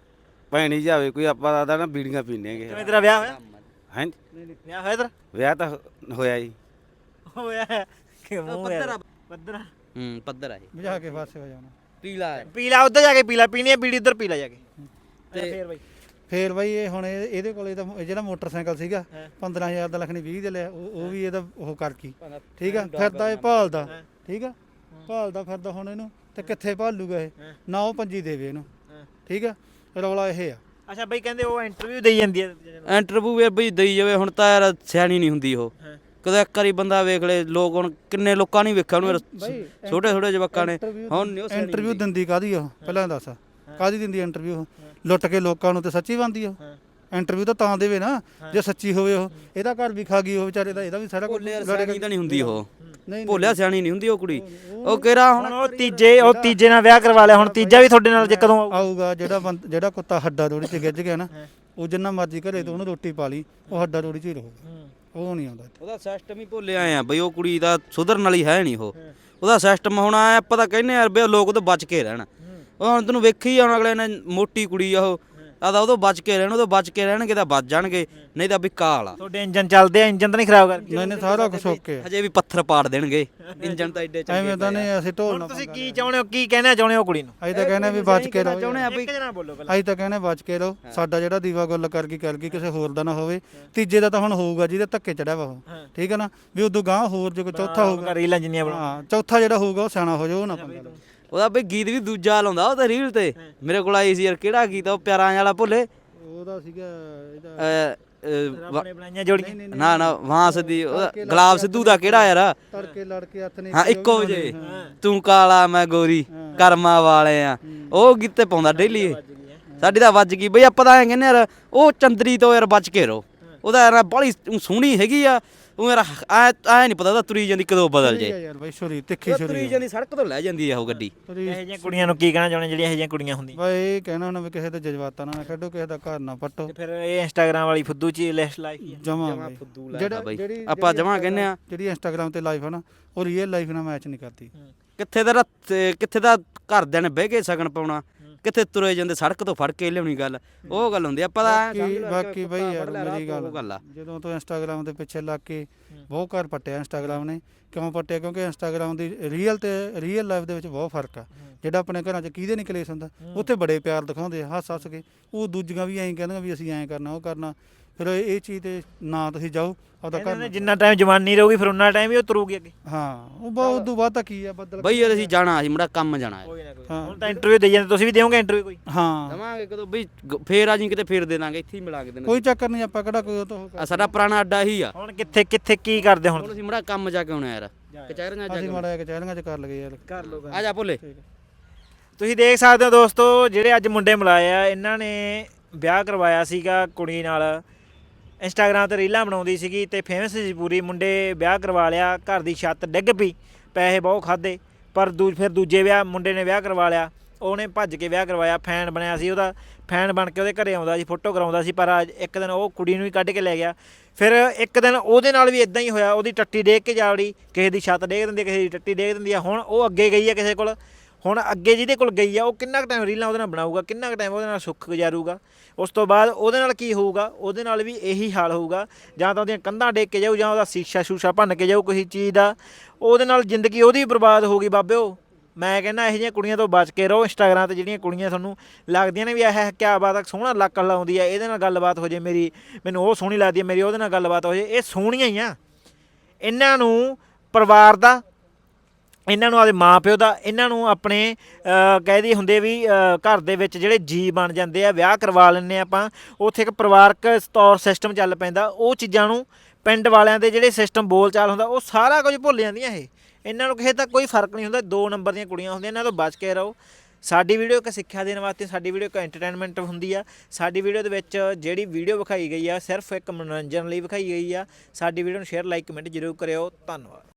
[SPEAKER 4] ਭੈਣੀ ਜਾਵੇ ਕੋਈ ਆਪਾਂ ਆਦਾ ਨਾ ਬੀੜੀਆਂ ਪੀਣੇ ਹੈਗੇ
[SPEAKER 1] ਕਿਵੇਂ ਤੇਰਾ ਵਿਆਹ ਹੋਇਆ?
[SPEAKER 4] ਹੈਂ
[SPEAKER 1] ਵਿਆਹ ਹੋਇਆ ਤੇਰਾ?
[SPEAKER 4] ਵਿਆਹ ਤਾਂ ਹੋ- ਹੋਇਆ ਜੀ
[SPEAKER 1] ਹੋਇਆ ਹੈ। ਕਿ ਮੂੰਹ
[SPEAKER 3] ਪੱਧਰ ਆ।
[SPEAKER 1] ਪੱਧਰ ਆ।
[SPEAKER 3] ਹੂੰ ਪੱਧਰ ਆ ਇਹ
[SPEAKER 2] ਬੁਝਾ ਕੇ ਫਾਸੇ ਹੋ ਜਾਣਾ
[SPEAKER 3] ਪੀਲਾ
[SPEAKER 1] ਪੀ ਲਾ ਉੱਧਰ ਜਾ ਕੇ ਪੀ ਲਾ ਪੀਣੀ ਹੈ ਬੀੜੀ ਉੱਧਰ ਪੀ ਲਾ ਜਾ ਕੇ। ਤੇ ਫੇਰ ਬਈ
[SPEAKER 2] ਫੇਰ ਬਾਈ ਇਹ ਹੁਣ ਇਹ- ਇਹਦੇ ਕੋਲੇ ਤਾਂ ਇਹ ਜਿਹੜਾ ਮੋਟਰਸਾਈਕਲ ਸੀਗਾ ਪੰਦਰਾਂ ਹਜ਼ਾਰ ਦਾ ਲੱਖਣੀ ਵੀਹ ਦੇ ਲਿਆ ਉਹ ਉਹ ਵੀ ਇਹਦਾ ਉਹ ਕਰ ਕੀ ਠੀਕ ਆ ਫਿਰਦਾ ਇਹ ਭਾਲਦਾ ਠੀਕ ਆ ਭਾਲਦਾ ਫਿਰਦਾ ਹੁਣ ਇਹਨੂੰ ਤੇ ਕਿੱਥੇ ਭਾਲੂਗਾ ਇਹ ਨਾ ਉਹ ਪੰਜੀ ਦੇਵੇ ਇਹਨੂੰ ਠੀਕ ਆ ਰੌਲਾ ਇਹ ਆ
[SPEAKER 1] ਅੱਛਾ ਬਈ ਕਹਿੰਦੇ ਉਹ ਇੰਟਰਵਿਊ ਦੇਈ ਜਾਂਦੀ ਹੈ।
[SPEAKER 3] ਇੰਟਰਵਿਊ ਯਾਰ ਬਈ ਦੇਈ ਜਾਵੇ ਹੁਣ ਤਾਂ ਯਾਰ ਸਿਆਣੀ ਨਹੀਂ ਹੁੰਦੀ ਉਹ ਕਦੇ ਇੱਕ ਵਾਰੀ ਬੰਦਾ ਵੇਖ ਲੈ ਲੋਕ ਹੁਣ ਕਿੰਨੇ ਲੋਕਾਂ ਨੇ ਵੇਖਿਆ ਉਹਨੂੰ
[SPEAKER 2] ਬਾਈ,
[SPEAKER 3] ਛੋਟੇ ਛੋਟੇ ਜਵਾਕਾਂ ਨੇ ਹੁਣ ਨਹੀਂ ਉਹ ਸਿਆਣੀ
[SPEAKER 2] ਇੰਟਰਵਿਊ
[SPEAKER 3] ਹੁੰਦੀ।
[SPEAKER 2] ਦਿੰਦੀ ਕਾਦੀ ਉਹ ਪਹਿਲਾਂ ਦੱਸ ਕਾਦੀ ਦਿੰਦੀ ਇੰਟਰਵਿਊ ਲੁੱਟ ਕੇ ਲੋਕਾਂ ਨੂੰ ਤੇ ਸੱਚੀ ਬੰਦੀ ਉਹ ਇੰਟਰਵਿਊ ਤਾਂ ਤਾਂ ਦੇਵੇ ਨਾ ਜੇ ਸੱਚੀ ਹੋਵੇ ਉਹ ਇਹਦਾ ਘਰ ਵੀ ਖਾ ਗਈ ਉਹ ਵਿਚਾਰੇ ਦਾ ਇਹਦਾ ਵੀ ਸਾਰਾ ਕੁਝ
[SPEAKER 3] ਭੋਲੇ ਯਾਰ ਸਿਆਣੀ ਤਾਂ ਨਹੀਂ ਹੁੰਦੀ ਉਹ
[SPEAKER 2] ਨਹੀਂ
[SPEAKER 3] ਭੋਲਿਆ ਸਿਆਣੀ ਨਹੀਂ ਹੁੰਦੀ ਉਹ ਕੁੜੀ ਉਹ ਕਿਹੜਾ
[SPEAKER 1] ਹੁਣ
[SPEAKER 3] ਹੁਣ
[SPEAKER 1] ਉਹ ਤੀਜੇ ਉਹ ਤੀਜੇ ਨਾਲ ਵਿਆਹ ਕਰਵਾ ਲਿਆ ਹੁਣ ਤੀਜਾ ਵੀ ਤੁਹਾਡੇ ਨਾਲ ਜੇ ਕਦੋਂ ਆਊ?
[SPEAKER 2] ਆਊਗਾ ਜਿਹੜਾ ਬੰਦ- ਜਿਹੜਾ ਕੁੱਤਾ ਹੱਡਾ ਦੋੜੀ ਚ ਗਿੱਜ ਗਿਆ ਨਾ ਉਹ ਜਿੰਨਾ ਮਰਜ਼ੀ ਘਰੇ ਤੋਂ ਉਹਨੂੰ ਰੋਟੀ ਪਾ ਲਈ ਉਹ ਹੱਡਾ ਦੋੜੀ ਚ ਹੀ ਰਹੂਗਾ ਉਹ ਨਹੀਂ ਆਉਂਦਾ ਇੱਥੇ।
[SPEAKER 3] ਉਹਦਾ ਸਿਸਟਮ ਹੀ ਭੁੱਲੇ ਆਏ ਆ ਬਈ ਉਹ ਕੁੜੀ ਦਾ ਸੁਧਰਨ ਵਾਲੀ ਹੈ ਨਹੀਂ ਉਹ ਉਹਦਾ ਸਿਸਟਮ ਹੁਣ ਆਇਆ ਆਪਾਂ ਤਾਂ ਕਹਿੰਦੇ ਯਾਰ ਬਈ ਲੋਕ ਤੋਂ ਬਚ ਕੇ ਰਹਿਣ ਉਹ ਹੁਣ ਤੈਨੂੰ ਵੇਖੀ ਹੁਣ ਅਗਲੇ ਨੇ ਮੋਟੀ ਕੁੜੀ ਆ ਉਹ ਆਦਾ ਉਹਦੋਂ ਬਚ ਕੇ ਰਹਿਣ ਉਹਦੋਂ ਬਚ ਕੇ ਰਹਿਣਗੇ ਤਾਂ ਬਚ ਜਾਣਗੇ ਨਹੀਂ ਤਾਂ ਵੀ ਕਾਲ ਆ
[SPEAKER 1] ਤੁਹਾਡੇ ਇੰਜਨ ਚੱਲਦੇ ਆ ਇੰਜਨ ਤਾਂ ਨਹੀਂ ਖਰਾਬ ਕਰਕੇ?
[SPEAKER 2] ਨਹੀਂ ਨਹੀਂ ਸਾਰਾ ਕੁਝ ਓਕੇ ਆ
[SPEAKER 3] ਹਜੇ ਵੀ ਪੱਥਰ ਪਾੜ ਦੇਣਗੇ ਇੰਜਨ ਤਾਂ ਐਡੇ ਚੰਗੇ
[SPEAKER 2] ਐਵੇਂ ਤਾਂ ਨਹੀਂ ਅਸੀਂ ਢੋਲ ਨਾ
[SPEAKER 1] ਤੁਸੀਂ ਕੀ ਚਾਹੁੰਦੇ ਹੋ ਕੀ ਕਹਿਣਾ ਚਾਹੁੰਦੇ ਹੋ ਕੁੜੀ ਨੂੰ?
[SPEAKER 2] ਅਸੀਂ ਤਾਂ ਕਹਿੰਦੇ ਵੀ ਬਚ ਕੇ ਰਹੋ
[SPEAKER 3] ਚਾਹੁੰਦੇ ਆ ਬਈ
[SPEAKER 1] ਇੱਕ ਜਣਾ ਬੋਲੋ ਪਹਿਲਾਂ।
[SPEAKER 2] ਅਸੀਂ ਤਾਂ ਕਹਿੰਦੇ ਬਚ ਕੇ ਰਹੋ ਸਾਡਾ ਜਿਹੜਾ ਦੀਵਾ ਗੁੱਲ ਕਰ ਗਈ ਕਰ ਗਈ ਕਿਸੇ ਹੋਰ ਦਾ ਨਾ ਹੋਵੇ ਤੀਜੇ ਦਾ ਤਾਂ ਹੁਣ ਹੋਊਗਾ ਜਿਹਦੇ ਧੱਕੇ ਚੜਿਆ ਵਾ ਉਹ ਠੀਕ ਹੈ ਨਾ ਵੀ ਉਦੋਂ ਗਾਂ ਹੋਰ ਜੇ ਕੋਈ ਚੌਥਾ ਹੋਊਗਾ
[SPEAKER 1] ਰੀਲਾਂ ਜਿੰਨੀਆਂ ਬਣਾ
[SPEAKER 2] ਹਾਂ ਚੌਥਾ ਜਿਹੜਾ ਹੋਊਗਾ ਉਹ ਸਿਆਣਾ ਹੋ ਜਾਊ ਉਹ ਨਾ ਪੰਗਾ ਲਓ।
[SPEAKER 3] ਉਹਦਾ ਬਈ ਗੀਤ ਵੀ ਦੂਜਾ ਲਾਉਂਦਾ ਉਹ ਤੇ ਰੀਲ ਤੇ ਮੇਰੇ ਕੋਲ ਆਈ ਸੀ ਯਾਰ ਕਿਹੜਾ ਗੀਤ ਆ ਉਹ ਪਿਆਰਾਂ ਵਾਲਾ ਭੁੱਲੇ
[SPEAKER 2] ਉਹਦਾ ਸੀਗਾ ਇਹਦਾ
[SPEAKER 3] ਅ, ਅ, ਵਾ-
[SPEAKER 1] ਆਪਣੇ ਬਣਾਈਆਂ ਜੋੜੀਆਂ
[SPEAKER 3] ਨਾ ਨਾ ਵਾਂਸ ਦੀ ਉਹਦਾ ਗੁਲਾਬ ਸਿੱਧੂ ਦਾ ਕਿਹੜਾ ਯਾਰ
[SPEAKER 2] ਤੜਕੇ ਲੜ ਕੇ ਹੱਥ ਨੇ
[SPEAKER 3] ਹਾਂ ਇੱਕੋ ਵਜੇ ਤੂੰ ਕਾਲਾ ਮੈਂ ਗੋਰੀ ਕਰਮਾਂ ਵਾਲੇ ਆ ਉਹ ਗੀਤੇ ਪਾਉਂਦਾ ਡੇਲੀ ਸਾਡੀ ਤਾਂ ਵੱਜ ਗਈ ਬਈ ਆਪਾਂ ਤਾਂ ਐਂ ਕਹਿੰਦੇ ਯਾਰ ਉਹ ਚੰਦਰੀ ਤੋਂ ਯਾਰ ਬਚ ਕੇ ਰਹੋ ਉਹਦਾ ਯਾਰ ਬੜੀ ਸੋਹਣੀ ਹੈਗੀ ਆ ਉਹ ਯਾਰ ਐ ਐ ਨਹੀਂ ਪਤਾ ਉਹਦਾ ਤੁਰੀ ਜਾਂਦੀ ਕਦੋਂ ਬਦਲ ਜੇ
[SPEAKER 2] ਯਾਰ ਬਾਈ ਛੁਰੀ ਤਿੱਖੀ
[SPEAKER 3] ਉਹ
[SPEAKER 2] ਛੁਰੀ
[SPEAKER 3] ਤੁਰੀ ਜਾਂਦੀ ਸੜਕ ਤੋਂ ਲੈ ਜਾਂਦੀ ਆ ਉਹ ਗੱਡੀ
[SPEAKER 1] ਇਹੋ ਜਿਹੀਆਂ ਕੁੜੀਆਂ ਨੂੰ ਕੀ ਕਹਿਣਾ ਚਾਹੁੰਦੇ ਜਿਹੜੀਆਂ ਇਹੋ ਜਿਹੀਆਂ ਕੁੜੀਆਂ ਹੁੰਦੀਆਂ?
[SPEAKER 2] ਬਾਈ ਇਹ ਕਹਿਣਾ ਨਾ ਵੀ ਕਿਸੇ ਦੇ ਜਜ਼ਬਾਤਾਂ ਨਾਲ ਨਾ ਖੇਡੋ ਕਿਸੇ ਦਾ ਘਰ ਨਾ ਪੱਟੋ
[SPEAKER 1] ਤੇ ਫਿਰ ਇਹ ਇੰਸਟਾਗ੍ਰਾਮ ਵਾਲੀ ਫੁੱਦੂ ਚ ਲਿਸਟ ਲਾਈ
[SPEAKER 2] ਜਮਾ
[SPEAKER 3] ਜਿਹੜਾ ਬਈ
[SPEAKER 2] ਜਿਹੜੀ
[SPEAKER 3] ਆਪਾਂ ਜਮਾਂ ਕਹਿੰਦੇ ਆ
[SPEAKER 2] ਜਿਹੜੀ ਇੰਸਟਾਗ੍ਰਾਮ ਤੇ ਲਾਈਫ ਹੈ ਨਾ ਉਹ ਰੀਅਲ ਲਾਈਫ ਨਾਲ ਮੈਚ ਨਹੀਂ ਕਰਦੀ
[SPEAKER 3] ਕਿੱਥੇ ਦਾ ਕਿੱਥੇ ਦਾ ਘਰਦਿਆਂ ਨੇ ਬਹਿ ਕੇ ਸਗਨ ਪਾਉਣਾ ਕਿੱਥੇ ਤੁਰੇ ਜਾਂਦੇ ਸੜਕ ਤੋਂ ਫੜ ਕੇ ਲਿਆਉਣੀ ਗੱਲ ਉਹ ਗੱਲ ਹੁੰਦੀ ਆ ਆਪਾਂ ਤਾਂ ਐਂ ਸਮਝ
[SPEAKER 2] ਬਾਕੀ
[SPEAKER 3] ਲਿਆ
[SPEAKER 2] ਬਾਕੀ ਬਈ ਯਾਰ
[SPEAKER 3] ਫੜ ਲਿਆ
[SPEAKER 2] ਮੇਰੀ
[SPEAKER 3] ਰਾਤ ਨੂੰ ਉਹ ਗੱਲ
[SPEAKER 2] ਗੱਲ
[SPEAKER 3] ਆ
[SPEAKER 2] ਜਦੋਂ ਤੋਂ ਇੰਸਟਾਗ੍ਰਾਮ ਦੇ ਪਿੱਛੇ ਲੱਗ ਕੇ ਬਹੁਤ ਘਰ ਪੱਟਿਆ ਇੰਸਟਾਗ੍ਰਾਮ ਨੇ ਕਿਉਂ ਪੱਟਿਆ ਕਿਉਂਕਿ ਇੰਸਟਾਗ੍ਰਾਮ ਦੀ ਰੀਅਲ ਤੇ ਰੀਅਲ ਲਾਈਫ ਦੇ ਵਿੱਚ ਬਹੁਤ ਫਰਕ ਆ ਜਿਹੜਾ ਆਪਣੇ ਘਰਾਂ 'ਚ ਕਿਹਦੇ ਨਹੀਂ ਕਲੇਸ਼ ਹੁੰਦਾ ਉੱਥੇ ਬੜੇ ਪਿਆਰ ਦਿਖਾਉਂਦੇ ਆ ਹੱਸ ਹੱਸ ਕੇ ਉਹ ਦੂਜੀਆਂ ਵੀ ਐਂ ਕਹਿੰਦੀਆਂ ਵੀ ਅਸੀਂ ਐਂ ਕਰਨਾ ਉਹ ਕਰਨਾ ਫਿਰ ਇਹ ਇਹ ਚੀਜ਼ ਤੇ ਨਾ ਤੁਸੀਂ ਜਾਓ ਆਪਦਾ
[SPEAKER 1] ਕਹਿੰਦੇ
[SPEAKER 2] ਘਰ
[SPEAKER 1] ਨੇ ਜਿੰਨਾ ਟਾਈਮ ਜਵਾਨੀ ਰਹੂਗੀ ਫਿਰ ਉਹਨਾਂ ਟਾਈਮ ਹੀ ਉਹ ਤੁਰੂਗੀ ਅੱਗੇ।
[SPEAKER 2] ਹਾਂ ਉਹ ਬਹੁਤ ਉਦੋਂ ਬਾਅਦ ਤਾਂ ਕੀ ਆ ਬੱਦਲ
[SPEAKER 3] ਬਈ ਯਾਰ ਅਸੀਂ ਜਾਣਾ ਅਸੀਂ ਮੁੰਡਾ ਕੰਮ ਜਾਣਾ ਹੈ
[SPEAKER 1] ਕੋਈ ਨਾ ਕੋਈ
[SPEAKER 2] ਹਾਂ।
[SPEAKER 1] ਹੁਣ ਤਾਂ ਇੰਟਰਵਿਊ ਦੇ ਜਾਂਦੇ ਤੁਸੀਂ ਵੀ ਦਿਓਗੇ ਇੰਟਰਵਿਊ ਕੋਈ?
[SPEAKER 2] ਹਾਂ
[SPEAKER 3] ਦਵਾਂਗੇ ਕਦੋਂ ਬਈ ਗ- ਫੇਰ ਆ ਜੀ ਕਿਤੇ ਫੇਰ ਦੇ ਦਾਂਗੇ ਇੱਥੇ ਹੀ ਮਿਲਾ ਕੇ ਦੇਣਾ
[SPEAKER 2] ਕੋਈ ਚੱਕਰ ਨਹੀਂ ਆਪਾਂ ਕਿਹੜਾ ਕੋਈ ਉਹ ਤੋਂ
[SPEAKER 3] ਆ ਸਾਡਾ ਪੁਰਾਣਾ ਅੱਡਾ ਹੀ ਆ
[SPEAKER 1] ਹੁਣ ਕਿੱਥੇ ਕਿੱਥੇ ਕੀ ਕਰਦੇ ਹੁਣ?
[SPEAKER 3] ਹੁਣ ਅਸੀਂ ਮੁੰਡਾ ਕੰਮ ਜਾ ਕੇ ਆਉਣਾ ਯਾਰ ਕਚਹਿਰੀਆਂ ਜਾ
[SPEAKER 2] ਅਸੀਂ
[SPEAKER 3] ਕੇ
[SPEAKER 2] ਮਾੜਾ ਜਿਹਾ ਕਚਹਿਰੀਆਂ 'ਚ ਕਰ ਲਗੇ ਯਾਰ
[SPEAKER 1] ਕਰ ਲੋ
[SPEAKER 3] ਆ ਜਾ ਭੋਲੇ
[SPEAKER 1] ਤੁਸੀਂ ਦੇਖ ਸਕਦੇ ਹੋ ਦੋਸਤੋ ਜਿਹੜੇ ਅੱਜ ਮੁੰਡੇ ਮਿਲਾਏ ਆ ਇਹਨਾਂ ਨੇ ਵਿਆਹ ਕਰਵਾਇਆ ਸੀਗਾ ਕੁੜੀ ਨਾਲ ਇੰਸਟਾਗ੍ਰਾਮ ਤੇ ਰੀਲਾਂ ਬਣਾਉਂਦੀ ਸੀਗੀ ਤੇ ਫੇਮਸ ਸੀ ਪੂਰੀ ਮੁੰਡੇ ਵਿਆਹ ਕਰਵਾ ਲਿਆ ਘਰ ਦੀ ਛੱਤ ਡਿੱਗ ਪਈ ਪੈਸੇ ਬਹੁਤ ਖਾਦੇ ਪਰ ਦੂ ਫਿਰ ਦੂਜੇ ਵਿਆਹ ਮੁੰਡੇ ਨੇ ਵਿਆਹ ਕਰਵਾ ਲਿਆ ਉਹਨੇ ਭੱਜ ਕੇ ਵਿਆਹ ਕਰਵਾਇਆ ਫੈਨ ਬਣਿਆ ਸੀ ਉਹਦਾ ਫੈਨ ਬਣ ਕੇ ਉਹਦੇ ਘਰੇ ਆਉਂਦਾ ਸੀ ਫੋਟੋ ਕਰਾਉਂਦਾ ਸੀ ਪਰ ਅੱਜ ਇੱਕ ਦਿਨ ਉਹ ਕੁੜੀ ਨੂੰ ਹੀ ਕੱਢ ਕੇ ਲੈ ਗਿਆ ਫਿਰ ਇੱਕ ਦਿਨ ਉਹਦੇ ਨਾਲ ਵੀ ਇਦਾਂ ਹੀ ਹੋਇਆ ਉਹਦੀ ਟੱਟੀ ਡੇਗ ਕੇ ਜਾ ਵੜੀ ਕਿਸੇ ਦੀ ਛੱਤ ਡੇਗ ਦਿੰਦੀ ਕਿਸੇ ਦੀ ਟੱਟੀ ਡੇਗ ਦਿੰਦੀ ਆ ਹੁਣ ਉਹ ਅੱਗੇ ਗਈ ਆ ਕਿਸੇ ਕੋਲ ਹੁਣ ਅੱਗੇ ਜਿਹਦੇ ਕੋਲ ਗਈ ਆ ਉਹ ਕਿੰਨਾ ਕੁ ਟਾਈਮ ਰੀਲਾਂ ਉਹਦੇ ਨਾਲ ਬਣਾਊਗਾ ਕਿੰਨਾ ਕੁ ਟਾਈਮ ਉਹਦੇ ਨਾਲ ਸੁੱਖ ਗੁਜ਼ਾਰੂਗਾ ਉਸ ਤੋਂ ਬਾਅਦ ਉਹਦੇ ਨਾਲ ਕੀ ਹੋਊਗਾ ਉਹਦੇ ਨਾਲ ਵੀ ਇਹੀ ਹਾਲ ਹੋਊਗਾ ਜਾਂ ਤਾਂ ਉਹਦੀਆਂ ਕੰਧਾਂ ਡੇਕ ਕੇ ਜਾਊ ਜਾਂ ਉਹਦਾ ਸ਼ੀਸ਼ਾ ਸ਼ੂਸ਼ਾ ਭੰਨ ਕੇ ਜਾਊ ਕਿਸੇ ਚੀਜ਼ ਦਾ ਉਹਦੇ ਨਾਲ ਜ਼ਿੰਦਗੀ ਉਹਦੀ ਬਰਬਾਦ ਹੋਊਗੀ ਬਾਬਿਓ ਮੈਂ ਕਹਿੰਦਾ ਇਹੋ ਜਿਹੀਆਂ ਕੁੜੀਆਂ ਤੋਂ ਬਚ ਕੇ ਰਹੋ ਇੰਸਟਾਗ੍ਰਾਮ ਤੇ ਜਿਹੜੀਆਂ ਕੁੜੀਆਂ ਤੁਹਾਨੂੰ ਲੱਗਦੀਆਂ ਨੇ ਵੀ ਇਹ ਕਿਆ ਬਾਤ ਆ ਸੋਹਣਾ ਲੱਕ ਲਾਉਂਦੀ ਆ ਇਹਦੇ ਨਾਲ ਗੱਲਬਾਤ ਹੋ ਜੇ ਮੇਰੀ ਮੈਨੂੰ ਉਹ ਸੋਹਣੀ ਲੱਗਦੀ ਹੈ ਮੇਰੀ ਉਹਦੇ ਨਾਲ ਗੱਲਬਾਤ ਹੋ ਜੇ ਇਹ ਸੋਹਣੀਆਂ ਹੀ ਆ ਇਹਨਾਂ ਨੂੰ ਪਰਿਵਾਰ ਦਾ ਇਹਨਾਂ ਨੂੰ ਆਪਦੇ ਮਾਂ ਪਿਓ ਦਾ, ਇਹਨਾਂ ਨੂੰ ਆਪਣੇ ਕਹਿਦੀ ਹੁੰਦੇ ਵੀ ਅ, ਘਰ ਦੇ ਵਿੱਚ ਜਿਹੜੇ ਜੀ ਬਣ ਜਾਂਦੇ ਆ, ਵਿਆਹ ਕਰਵਾ ਲੈਂਦੇ ਆਪਾਂ, ਉੱਥੇ ਇੱਕ ਪਰਿਵਾਰਕ ਤੌਰ ਸਿਸਟਮ ਚੱਲ ਪੈਂਦਾ, ਉਹ ਚੀਜ਼ਾਂ ਨੂੰ ਪਿੰਡ ਵਾਲਿਆਂ ਦੇ ਜਿਹੜੇ ਸਿਸਟਮ ਬੋਲ ਚਾਲ ਹੁੰਦਾ ਉਹ ਸਾਰਾ ਕੁਝ ਭੁੱਲ ਜਾਂਦੀਆਂ ਇਹ। ਇਹਨਾਂ ਨੂੰ ਕਿਸੇ ਤੱਕ ਕੋਈ ਫਰਕ ਨਹੀਂ ਹੁੰਦਾ, ਦੋ ਨੰਬਰ ਦੀਆਂ ਕੁੜੀਆਂ ਹੁੰਦੀਆਂ, ਇਹਨਾਂ ਤੋਂ ਬਚ ਕੇ ਰਹੋ। ਸਾਡੀ ਵੀਡੀਓ ਇੱਕ ਸਿੱਖਿਆ ਦੇਣ ਵਾਸਤੇ, ਸਾਡੀ ਵੀਡੀਓ ਇੱਕ ਐਂਟਰਟੇਨਮੈਂਟ ਹੁੰਦੀ ਆ। ਸਾਡੀ ਵੀਡੀਓ ਦੇ ਵਿੱਚ ਜਿਹੜੀ ਵੀਡੀਓ ਵਿਖਾਈ ਗਈ ਆ ਸਿਰਫ ਇੱਕ ਮਨੋਰੰਜਨ ਲਈ ਵਿਖਾਈ ਗਈ ਆ। ਸਾਡੀ ਵੀਡੀਓ ਨੂੰ ਸ਼ੇਅਰ ਲਾਈਕ ਕਮੈਂਟ ਜ਼ਰੂਰ ਕਰਿਓ। ਧੰਨਵਾਦ।